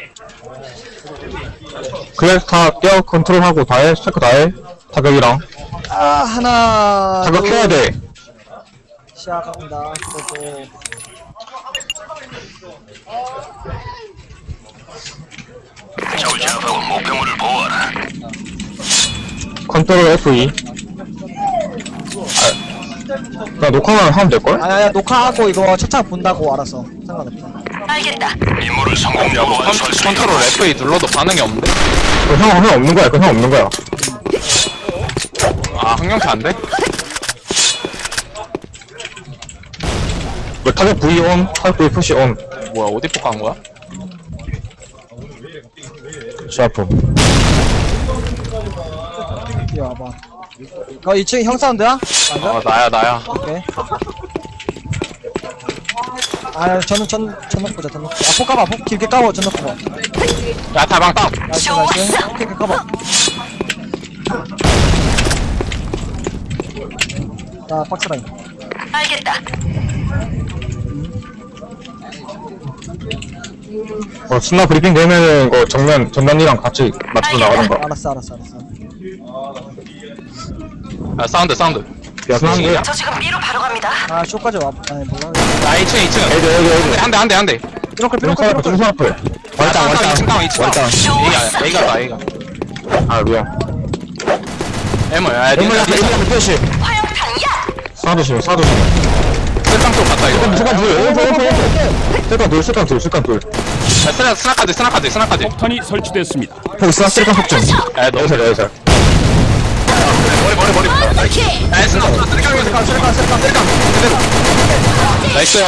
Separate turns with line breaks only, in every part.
그래서 다 뛰어 컨트롤하고 다해 체크 다해 타격이랑
아 하나
타격해야 돼.
시작합니다. 그리고
적을 제압하고 목표물을 보호하라.
컨트롤 F2. 나 녹화만 하면 될걸?
아야 녹화하고 이거 채창 본다고 알아서 상관없어.
알겠다.
임무를 성공적으로 완수할 수 있도록
컨트롤 F2 눌러도 반응이 없는데?
형 없는 거야. 형 없는 거야.
아 항명치 안 돼?
뭐 타격 V 온, 타격 V 푸시 온.
뭐야 어디 폭한 거야?
샤프.
이리 와봐. 2층 형 사운드야? 맞아?
나야
오케이. 아 저는 전 넣고자 전 넣고. 폭 까봐. 폭 길게 까봐. 전 넣고 봐.
야 다방 땅!
나이스. 오케이 까봐. 자 박스라인.
알겠다.
스나 브리핑 되면은 이거 전면이랑 같이 맞추고 나가는 거야.
알았어.
야 사운드
야, 스나 한 개.
저 지금 B로 바로 갑니다.
아 쇼까지 와. 아니 몰라.
야 2층
애들.
한대
삐롱클.
중선 앞에.
월땅 2층 땅
월땅.
A가
아, 미안.
M야
엠물 앞에, 엠물 앞에 표시.
화염탄이야.
스나 조심, 스나 조심.
쓸땅 쪽 갔다 이거
술깡 둘.
야 스나카드
폭탄이 설치됐습니다.
폭 있어? 술깡 폭 좀.
야 너
여기서.
머리 야 스나 쓰리깡 그대로 나이스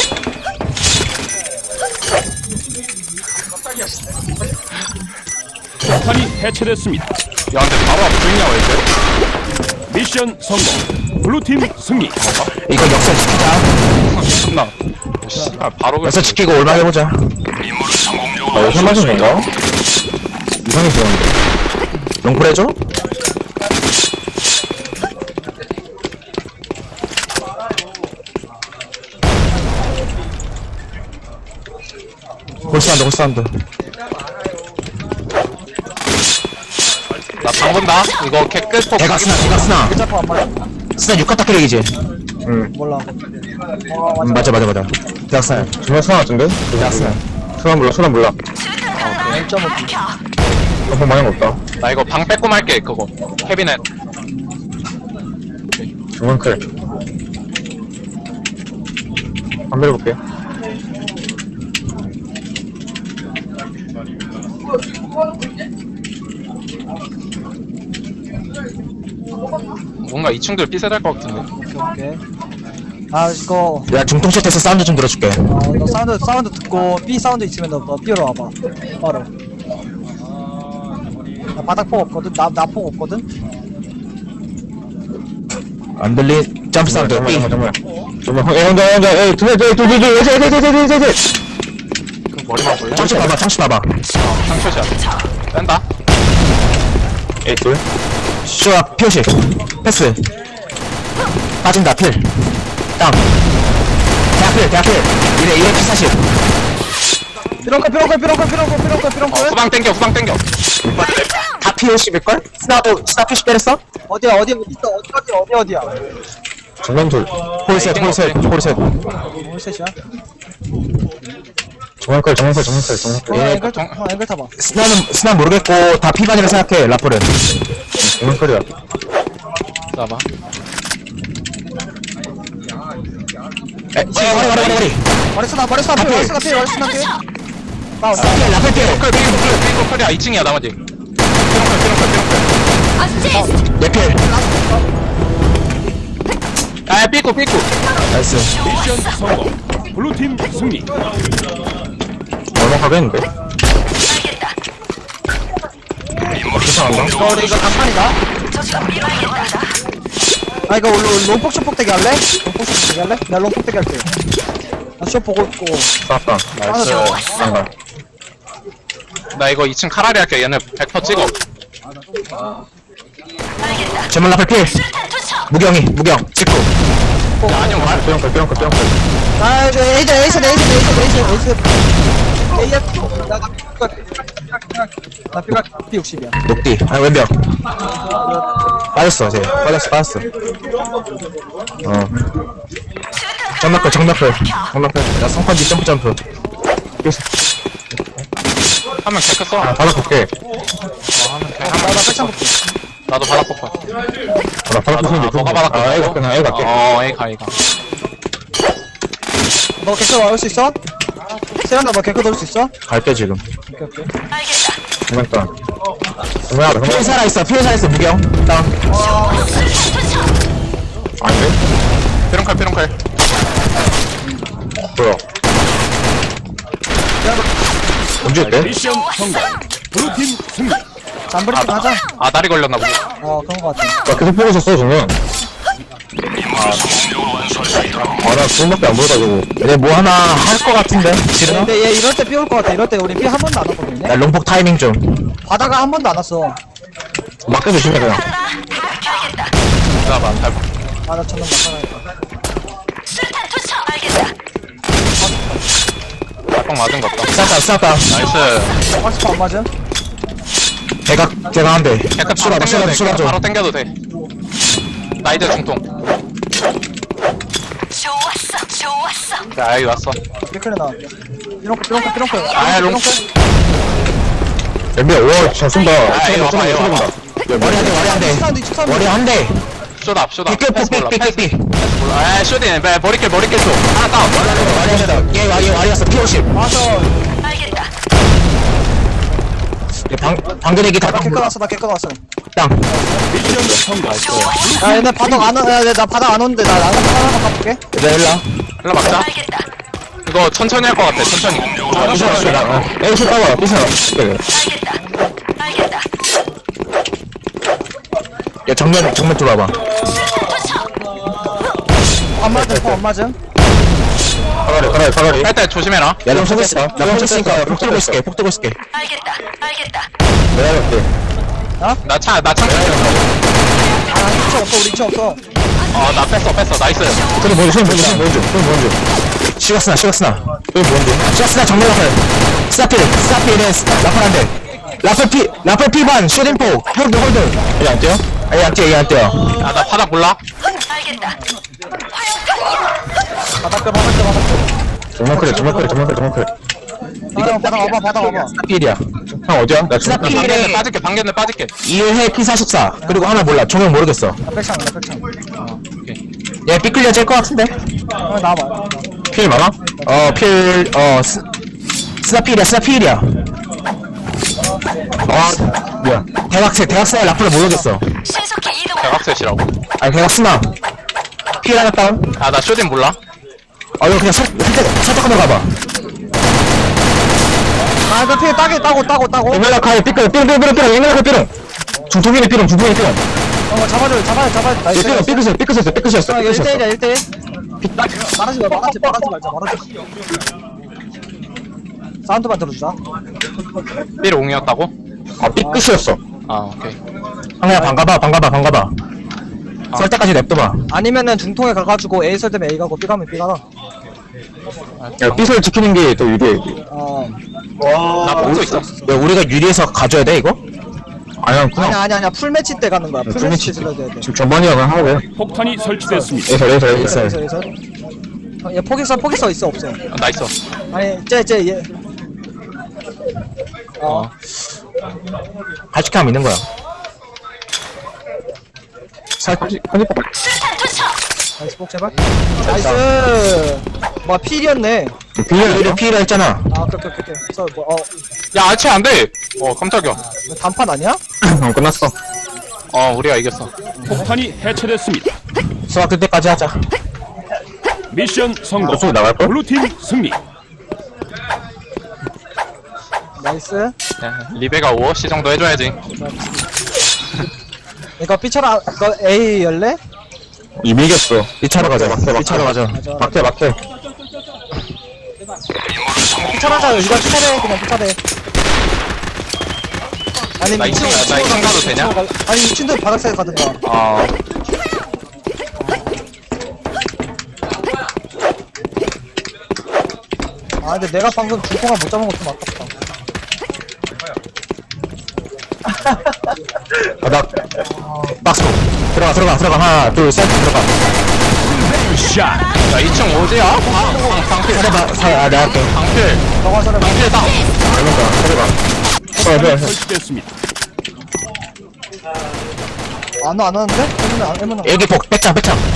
폭탄이 해체됐습니다.
야 근데 바로 앞에 보이냐 왜 이렇게?
미션 성공. 블루팀 승리.
이거 역사 지키자.
존나 씨발 바로
역사 지키고 올라 해보자.
임무를 성공적으로
아, 이거
완수할 수
맞은
있도록
건가? 이상해 보였는데. 롱플 해줘? 홀스한드.
나방 본다 이거 개끝폭
대각 스나.
잡고 안 맞아.
스나 6컷 타키력이지? 응.
몰라.
맞아. 대각 스나. 정말 스나 같은데? 대각 스나. 스나 몰라.
수류탄 장난. 밝혀.
방 많은 거 없다.
나 이거 방 빼고 말게 그거 캐비넷
정말 클. 안 밀어볼게.
뭔가 2층들 삐세될 것 같은데
오케이. 아 이거
야, 중통샷에서 사운드 좀 들어줄게.
너 사운드 듣고 B 사운드 있으면 너 B로 와봐. 바로. 나 바닥폭 없거든. 나 폭 없거든.
안 들리? 점프 사운드. 정말. 혼자. 둘.
그 머리만 볼래?
창시 봐봐.
상처샷 뺀다
에이, 둘. 쇼아, 표시. 패스. 빠진다, 필. 땅. 대학 필. 이래, P40.
삐롱클.
후방 땡겨
다 P50일걸? 스나 P50 때렸어?
어디야 있어. 어디야.
정면 둘. 홀셋.
홀셋이야?
정면클.
앵글 타봐.
스나 모르겠고, 다 P 반이라 생각해, 라플은. 정면클이야.
봐봐
머리.
머리스나 필. 나
라플 필.
삐끗이야 2층이야 나머지
어시스트.
내 필.
아 삐끗
나이스.
미션 성공. 블루팀 승리.
얼마 가겠는데?
알겠다.
임무를 성공적으로
너 이거 단판이다.
저 지금 B로 갑니다.
아 이거 롱폭 쇼폭대기 할래? 내가 롱폭대기 할게. 나쇼 보고 있고.
쌌다.
나이스
난가.
나 이거 2층 카라리 할게 얘네 100% 찍어
알겠다.
제물 라플 필.
수류탄 투척.
무경. 직구.
야 아니면 말
뿅.
아 이거 에이스. AF. 나 나 삐가 P60이야.
녹디. 아니, 왼벽. 빠졌어, 쟤. 빠졌어. 정락풀. 정락풀. 나 성판지 점프.
한명 개크 써.
받아볼게.
나 백창 볼게.
나도 바닥 뽑아.
받아볼게.
너가 받았구나.
아, 애가 그냥 애가 갈게.
A 가.
너 개코 나올 수 있어? 세란다 너 개코 넣을 수 있어?
갈게, 지금.
오케이.
알겠다.
정말 정말 피해 살아있어, 무경. 다운. 안 돼?
삐롱칼.
뭐야? 언제 때?
미션 성공. 블루팀 승리.
잠브리팅 하자.
다리 걸렸나 보지.
그런 거 같아.
나 계속 보고 있었어, 저는.
임무를 성공적으로 완수할 수 있도록
아, 나 그것밖에 안 보여가지고. 얘 뭐 하나 할 것 같은데? 싫어?
근데 얘 이럴 때 삐 올 것 같아. 이럴 때 우리 삐 한 번도 안 왔거든요.
나 롱폭 타이밍 좀.
바다가 한 번도 안 왔어.
막대 조심해, 그냥.
알겠다.
기다려봐.
나 천원 막아야겠다.
수탄 투척. 알겠다.
빡 맞은 것 같다.
쌌다.
나이스.
박스파 안 맞음?
대각 한 대.
개크
쏘라, 쏘라.
바로 땡겨도 돼. 나이드 중통.
좋았어.
자, 여기 왔어.
깨끗해 나. 삐롱클.
아, 롱.
엠비야, 와, 잘 쏜다.
이거 봐봐, 이거 봐봐.
머리 한 대.
쇼다.
삐.
몰라. 쇼딘. 머리킬 쏘. 하나 다운.
얘 와리였어, P50.
맞아.
알겠다.
방금 얘기 다
나 개꺼 왔어.
땅.
미션 성공.
야 얘네 바닥 안 와. 나 바닥 안 오는데 나 나가 하나 가볼게.
얘들아, 일라.
일로 막자.
알겠다.
이거 천천히 할 것 같아. 천천히.
에이스 따봐, 삐서.
알겠다.
야, 정면 들어와봐.
안 맞음.
가라리.
할 때 조심해라.
야, 나 쏘고 있어. 나 쏘니까 폭 들고 있을게.
알겠다.
내가 갈게.
나 창.
아 우리 이차 없어.
나 뺐어. 나이스.
그래, 뭔지. 시각스나. 시각스나 정면 라플. 스타필에 라플 한 대. 라플 P반, 쇼딩포. 홀드. 얘 안 뛰어? 얘 안 뛰어.
나 바닥 몰라.
알겠다.
바닥.
정말 그래.
바닥 와봐.
스타필이야. 형 어디야? 나
방견대 빠질게.
2회 P44. 그리고 하나 몰라. 종영 모르겠어.
나 백창.
얘 삐끌려 짤 것 같은데?
나와봐.
필 많아? 스타필이야. 뭐야. 대학생 라플을 모르겠어.
신속히 이동.
대각셋이라고.
아니, 대학스나. 필 하나 다운.
나 쇼딘 몰라.
이거 그냥 살짝 한번 가봐.
나 피해 따고.
에멜라 카이 삐끌. 에멜라 삐cur중통이네 삐cur
잡아줘. 나이스.
삐끗이었어.
1대1. 말하지 말자. 사운드만 들어주자.
삐롱이었다고?
삐끗이었어.
오케이.
그냥 반가봐. 설 때까지 냅둬봐.
아니면은 중통에 가가지고 A 설 때면 A 가고 B 가면 B 가라.
야, 삐설 지키는 게 더 유리해.
나 보고 있어.
야, 우리가 유리해서 가져야 돼, 이거? 아니야, 그냥.
아니야. 풀매치 때 가는 거야. 풀매치 때 들어야 돼.
지금 전반이야, 그냥 하면 돼.
폭탄이 설치됐습니다.
에서.
얘 포기서 있어 없어?
나 있어.
아니 얘.
갈치캠 있는 거야.
수탄 투척.
나이스 복 제발. 나이스. 뭐 필이었네.
필이라 했잖아.
오케이.
야, 아치 안 돼. 깜짝이야.
단판 아니야?
끝났어.
우리가 이겼어.
폭탄이 해체됐습니다.
수학 그때까지 하자.
미션 성공.
저쪽으로 나갈걸?
블루팀 승리.
나이스.
리베가 5시 정도 해줘야지.
이거 B처럼 이거 A 열래?
이미 이겼어. 2차로 가자. 2차로 가자. 막해.
B처럼 하자. 이거 B처럼 그냥 B처럼. 아니
나 2층 가도 되냐?
아니 2층도 바닥사에 가든가. 근데 내가 방금 중통을 못 잡은 거 좀 아깝다.
나 박스 들어가 하나 둘 셋 들어가
샷.
야 2층 어디야? 방필
살아봐 내가 할게
방필
저거 저래.
방필 땅
살아봐
설치됐습니다.
안 왔는데? 해문아.
일기폭 백창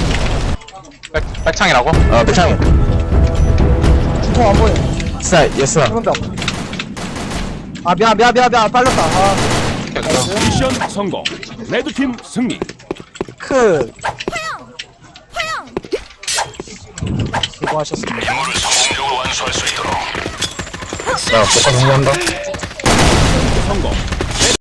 백창이라고?
백창
중통 안 보여.
스나 예스
해문병. 아 미안 빨렸다. 아
미션 성공. 레드팀 승리.
크. 수고하셨습니다.
임무를 성공적으로 완수할 수 있도록
나 복사 정리한다
성공.